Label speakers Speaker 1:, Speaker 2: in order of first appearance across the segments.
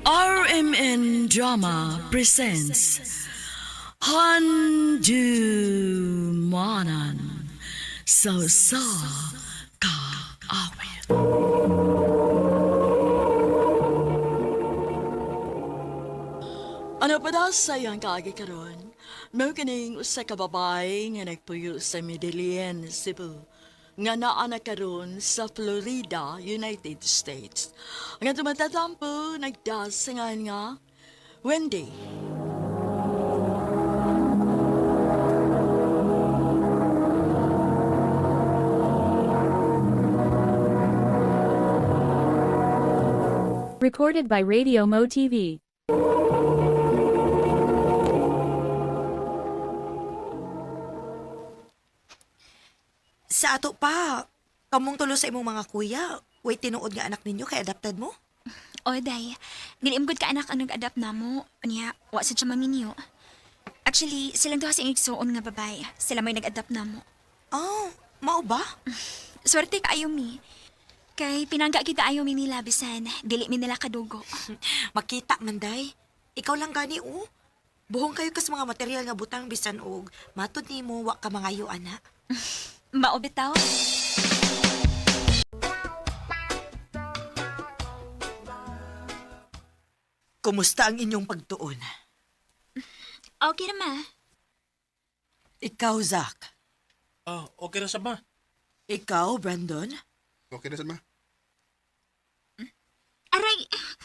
Speaker 1: RMN Drama presents Handumanan So Ka Awit. Ano pa daw sayang kaagi karon? Mao kining usa ka babae nga nagpuyo sa Medellin, Cebu. Nga naa na karon sa Florida, United States. Nga tumatatampo nagdasangan nga Wendy.
Speaker 2: Recorded by Radio Mo TV.
Speaker 3: Sa ato pa, kamong tulo sa imong mga kuya, way tinuod nga anak ninyo kay adopted mo?
Speaker 4: O, day. Nilimgod ka anak ang nag-adapt na mo. Niya, wa sa siya maminyo. Actually, silang duha sing igsuon nga babay. Sila may nag-adapt na mo.
Speaker 3: Oh, mao ba?
Speaker 4: Swerte ka ayo mi. Kay pinangga kita ayo mi nila bisan. Dili mi nila kadugo.
Speaker 3: Makita man day. Ikaw lang gani Buhong kayo kas mga material nga butang bisan og matud nimo wa ka mangayo ana.
Speaker 4: Mao bitaw.
Speaker 3: Kumusta ang inyong pagtuon?
Speaker 4: Okay na ma.
Speaker 3: Ikaw, Zach.
Speaker 5: Okay na sa ma.
Speaker 3: Ikaw, Brandon.
Speaker 6: Okay na, ma.
Speaker 4: Aray,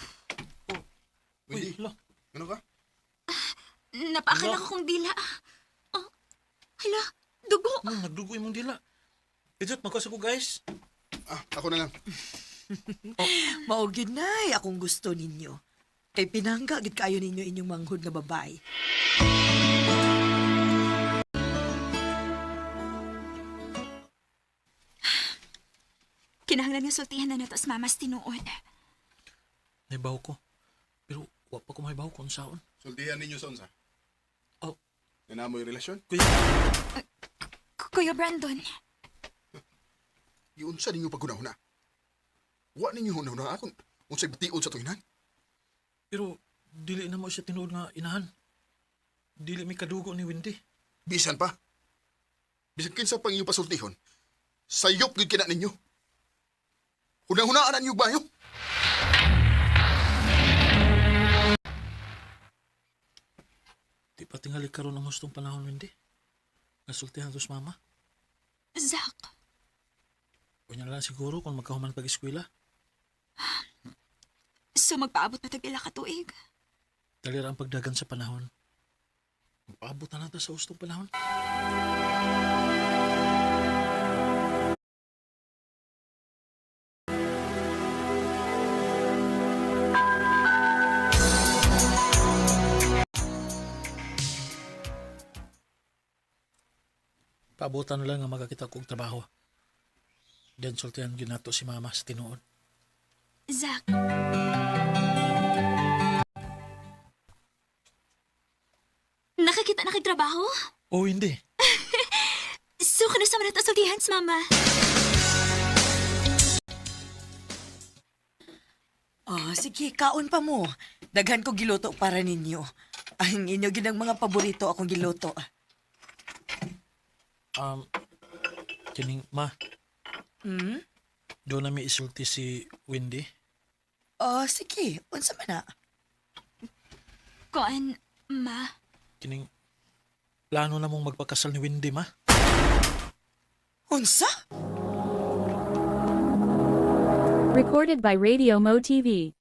Speaker 6: Uy,
Speaker 5: Hala.
Speaker 6: ano ka?
Speaker 4: napaakala ko kong dila. Oh, hala, dugo.
Speaker 5: Nagdugo imong dila. Ijot, magkasa ko guys.
Speaker 6: Ako na lang.
Speaker 3: Mao gyud nay akong gusto ninyo. Kay pinangga gid kayo ninyo inyong manghud nga babae.
Speaker 4: Kinahanglan nga sultihan na nato sa mamas tinuod.
Speaker 5: Naibaw ko. Pero wa pa ko maibaw kung saon.
Speaker 6: Sultihan ninyo sa unsa.
Speaker 5: Oh.
Speaker 6: Yan mo yung relasyon.
Speaker 5: Kuya,
Speaker 4: Kuya Brandon,
Speaker 6: Iunsa ninyo paghunahuna. Wa ninyo hunahuna akong unsay batiod sa tuinan.
Speaker 5: pero dili na mo siya tinuod nga inahan. Dili may kadugo ni Wendy.
Speaker 6: Bisan pa. Bisan kinsa pang inyo pasultihon. Sayop gid kina ninyo. Hunahunaan ninyo bayo.
Speaker 5: Di pa tingali karon ang hustong panahon, Wendy. Nasultihan to sa mama.
Speaker 4: Zach,
Speaker 5: Kunya na lang siguro kung magkahuman pag-eskwela.
Speaker 4: so magpaabot pa tag ila ka tuig.
Speaker 5: Dalira ang pagdagan sa panahon. Magpaabot na natin sa hustong panahon. Paabutan na lang nga magkakita kong trabaho. Diyan sultihan ginato si mama sa tinuod.
Speaker 4: Zach, nakakita na kay trabaho?
Speaker 5: Oh, hindi.
Speaker 4: So, kano sa manata sultihan sa mama?
Speaker 3: Sige, kaon pa mo. Daghan ko giluto para ninyo. Ang inyo ginang mga paborito akong giluto.
Speaker 5: Kining, ma,
Speaker 3: Hmm?
Speaker 5: doon na may isulti si Wendy.
Speaker 3: Sige. Unsa man na?
Speaker 4: Koan, ma.
Speaker 5: Kining, plano na mong magpakasal ni Wendy, ma.
Speaker 3: Unsa?
Speaker 2: Recorded by Radio Mo TV.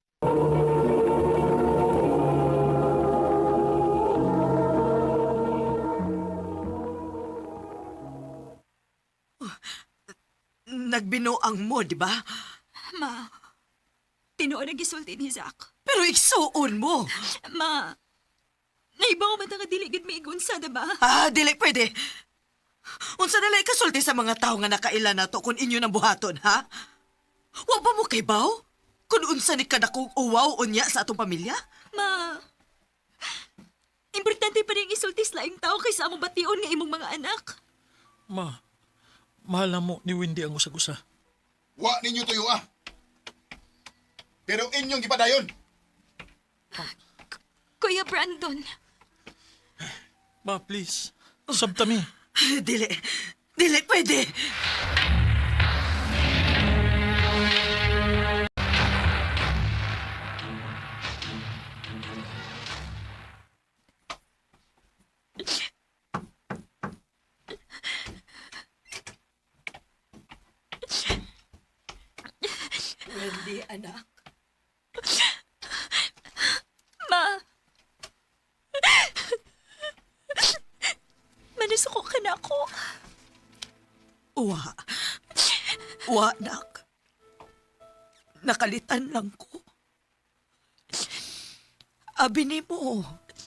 Speaker 3: Nagbinoang mo, di ba?
Speaker 4: Ma, tinuod ang gisulti ni Zach.
Speaker 3: Pero iksuon mo.
Speaker 4: Ma, naibaw man nga dili gid miigunsa, diba?
Speaker 3: Dili pwede. Unsa na lang kasulti sa mga tao nga nakaila na to kung inyo nang buhaton, ha? Wa ba mo kay baw? Kung unsa ni kadakong uwaw unya sa atong pamilya?
Speaker 4: Ma, importante pa rin isulti sa laing tao kaysa among bation nga imong mga anak.
Speaker 5: Ma, mahal na mo ni Wendy ang usag-usa.
Speaker 6: Wa ninyo tuyo Pero inyong gipadayon.
Speaker 4: Kuya Brandon,
Speaker 5: Ma, please. Sabtami.
Speaker 3: Dili. Dili, pwede. Wendy, anak.
Speaker 4: Ma. Manasuko ka na ako.
Speaker 3: Wa. Wa, nak. Nakalitan lang ko. Abi ni mo.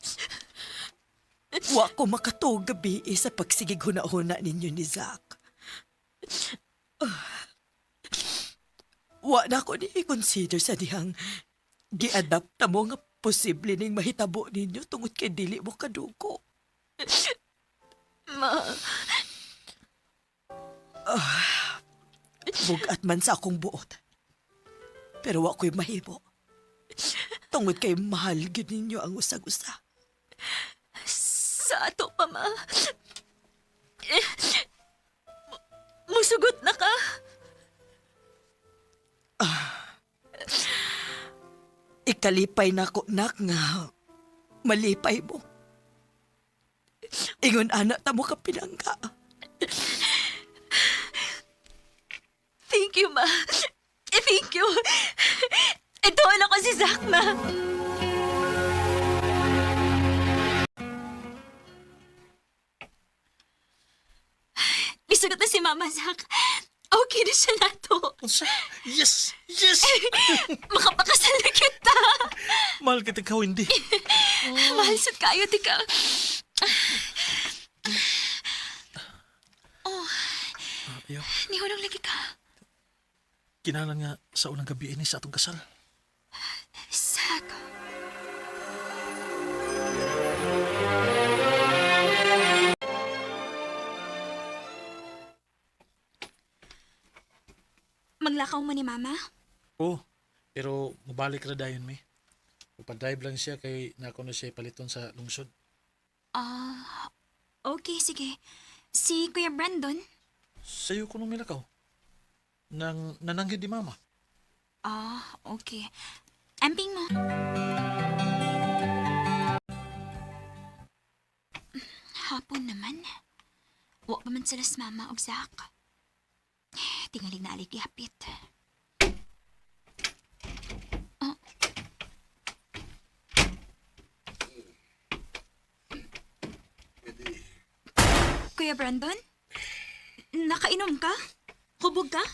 Speaker 3: Wa ko makatuog gabi sa pagsigig huna-huna ninyo ni Zach. Wa na ko ni i-consider sa dihang gi-adapt na mo nga posible ning mahitabo ninyo tungod kay dili mo kadugo.
Speaker 4: Ma.
Speaker 3: Bugat man sa akong buot. Pero wa ko'y mahimo. Tungod kay mahal gyud ninyo ang usag-usa.
Speaker 4: Sa ato pa, ma. Musugot na ka.
Speaker 3: Ikalipay na ko, nak, nga malipay mo. Ingon anak ta mo ka pinangga.
Speaker 4: Thank you, ma. Thank you. Ito ako si Zach, ma. Bisugot na si Mama, Zach. Okay na siya nato.
Speaker 5: Unsa? Yes! Yes!
Speaker 4: Makapakasal na kita.
Speaker 5: Mahal kita ikaw, hindi.
Speaker 4: Mahal sa kayo, tika.
Speaker 5: Ayaw.
Speaker 4: Nihulong lagi ka.
Speaker 5: Kinalan nga sa unang gabi ini sa atong kasal.
Speaker 4: Zach. Maglakaw mo ni Mama?
Speaker 5: Oo. Pero mabalik ra dayon mi. Upadrive lang siya kay nako na siya paliton sa lungsod.
Speaker 4: Okay, sige. Si Kuya Brandon?
Speaker 5: Sayo ko nung milakaw. Nananggid di mama.
Speaker 4: Okay. Amping mo. Hapon naman. Wa pa man sila sa Mama o Zach. Tingaling na alig yapit. Kuya Brandon? Nakainom ka? Hubog ka?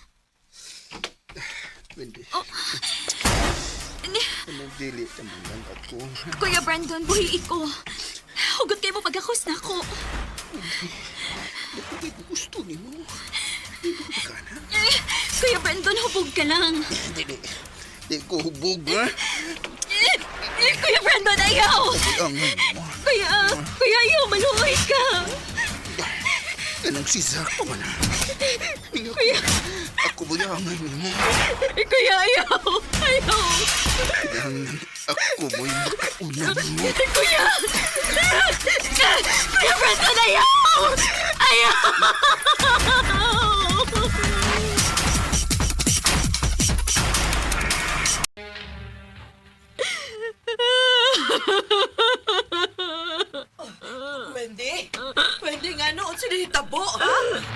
Speaker 6: Wendy.
Speaker 4: Ni-
Speaker 6: Anong dili naman lang ako.
Speaker 4: Kuya Brandon, buhi ko. Hugot kayo mo pagkakos na ako.
Speaker 6: Hindi ko gusto ni mo. Hindi ko pagkana.
Speaker 4: Kuya Brandon, hubog ka lang.
Speaker 6: Dili. Di ko hubog, ha?
Speaker 4: Kuya Brandon, ayaw!
Speaker 6: Ang mo.
Speaker 4: Kuya, ayaw, maluoy ka.
Speaker 6: Anong si Zach pa man, ha?
Speaker 4: Kuya,
Speaker 6: Ako ba yung angay mo?
Speaker 4: kuya, ayaw! Ayaw!
Speaker 6: Kailangan ako mo yung makaunan mo.
Speaker 4: Kuya! Kuya Brandon, ayaw! Ayaw!
Speaker 3: Wendy? Wendy nga noon sila hitabo, ha?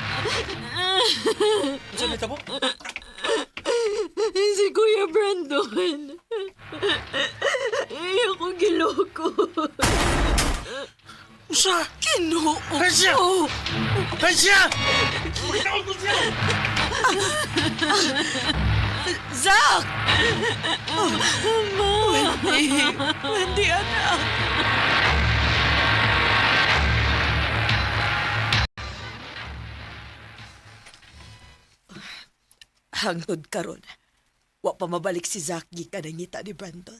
Speaker 5: Unsa ni tabo?
Speaker 1: Si Kuya Brandon. Ayaw ko giloko.
Speaker 5: Unsa?
Speaker 3: Kinoo
Speaker 5: Hansya!
Speaker 3: ko.
Speaker 5: Hansya!
Speaker 3: Zach! Wendy! Wendy, anak! Hangtod karon, wa pa mabalik si Zach gikan ang ngita ni Brandon.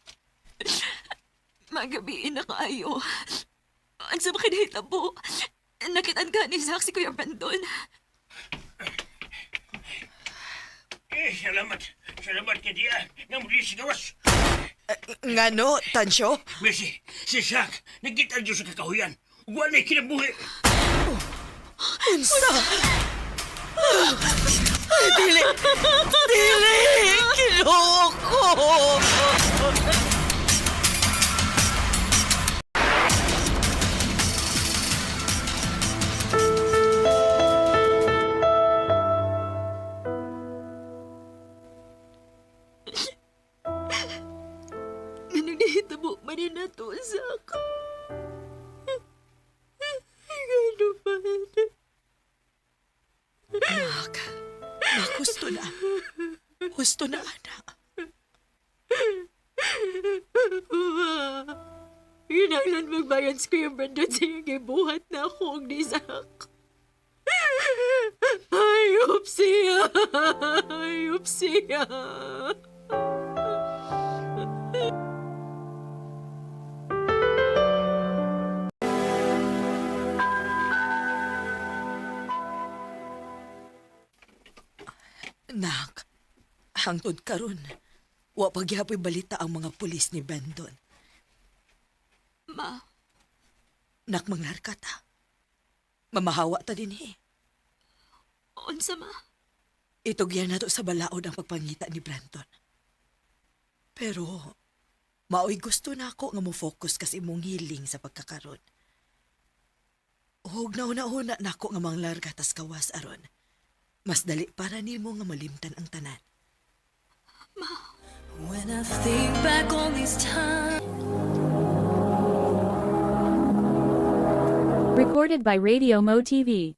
Speaker 4: Magabiin na kayo. Ang sama kinahitabo. Nakitaan ka ni Zach si Kuya Brandon.
Speaker 7: Salamat. Salamat ka diya. Nga muli sigawas.
Speaker 3: Ngano, Tansyo?
Speaker 7: Messi, si Shaq, nagkita dyan sa kakahuyan. Wala kinabuhi.
Speaker 3: Dili! Dili! Kinoko!
Speaker 1: Ano nahitabo man na to sa ako? Gano ba?
Speaker 3: Nak, gusto na. Gusto na, anak.
Speaker 1: Kinahanglan magbayan sa Kuya Brandon sa iyong gibuhat na akong nisak. Ayop siya! Ayop siya!
Speaker 3: Nak, hangtod karon, wa pagyapoy balita ang mga pulis ni Brandon.
Speaker 1: Ma,
Speaker 3: Nak, manglarka ta. Mamahawa ta din
Speaker 1: unsa ma?
Speaker 3: Itugyan na to sa balaod ang pagpangita ni Brandon. Pero, maoy gusto na ako nga mo focus kasi imong hiling sa pagkakaroon. Huwag na una-una na ako nga manglarga tas kawas aron. Mas dali para nimo nga malimtan ang tanan.
Speaker 8: When I think back on these times.
Speaker 2: Recorded by Radio Mo TV.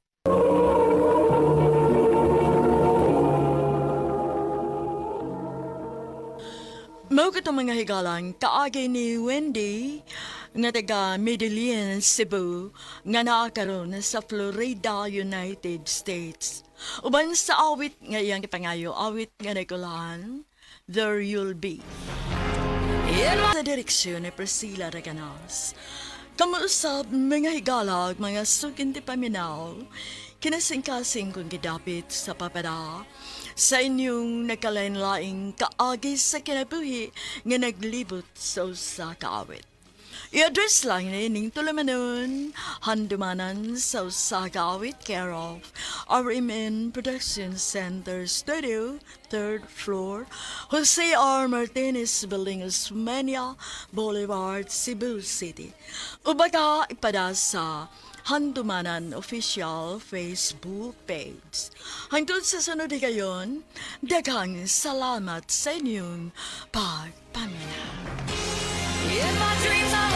Speaker 1: Mao katong mga higalang kaagay ni Wendy nga taga Medellin, Cebu nga naa karon sa Florida, United States. Uban sa awit nga iyang gipangayo, awit nga nagkulan, There You'll Be. Sa direksyon ni Priscilla Reganas. Kamuusap mga higalag, mga sukinti paminaw, kinasingkasing kong gidapit sa papada, sa inyong nakalain-laing kaagi sa kinabuhi nga naglibot sa usa ka awit. I-address lang ni ining tulamanon, handumanan sa usa ka awit care of RMN Production Center Studio, 3rd floor, Jose R. Martinez Building, Osmeña Boulevard, Cebu City. Ubaga ipada sa Handumanan Official Facebook page. Hangtod sa sunod gayon, daghang salamat sa inyong pagpaminaw.
Speaker 8: In my dreams, I